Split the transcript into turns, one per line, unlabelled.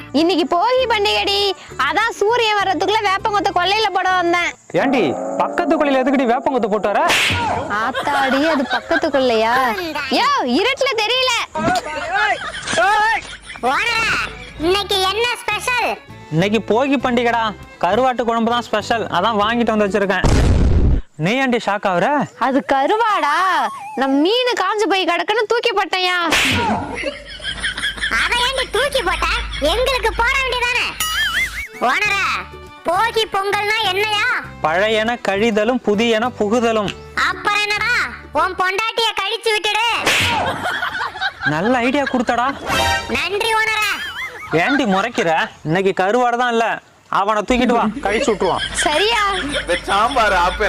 இன்னைக்கு போகி பண்டிகைடி, அதான் சூரியன் வர்றதுக்குள்ள வேப்பங்கொத்த கொல்லையில போட வந்தேன்.
ஏண்டி பக்கத்து கொல்லையில எதுக்குடி வேப்பங்கொத்த போட்டு வர?
ஆத்தாடி, அது பக்கத்து கொல்லையா? யோ, இருட்டுல தெரியல.
இன்னைக்கு என்ன ஸ்பெஷல்?
இன்னைக்கு போகி பண்டிகைடா, கருவாட்டு குழம்பு தான் ஸ்பெஷல். அதான் வாங்கிட்டு வந்து வச்சிருக்கேன். நீ ஏண்டி ஷாக் ஆகுற?
அது கருவாடா, நான் மீன் காஞ்சு போய் கிடக்குன்னு தூக்கி போட்டேன்யா.
அத ஏண்டி தூக்கி போட்ட? எங்களுக்கு போட வேண்டியதானே? ஓனரா, போகி பொங்கல்னா என்னையா?
பழையன கழிதலும் புதியன புகுதலும்.
அப்புறம் என்னடா, உன் பொண்டாட்டிய கழிச்சு விட்டுடு.
நல்ல ஐடியா கொடுத்தடா.
நன்றி ஓனரா.
ஏண்டி முறைக்கிற? இன்னைக்கு கருவாடு தான் இல்ல, அவனை தூக்கிட்டு வா, கழிச்சு விட்டுருவான்.
சரியா?
சாம்பார்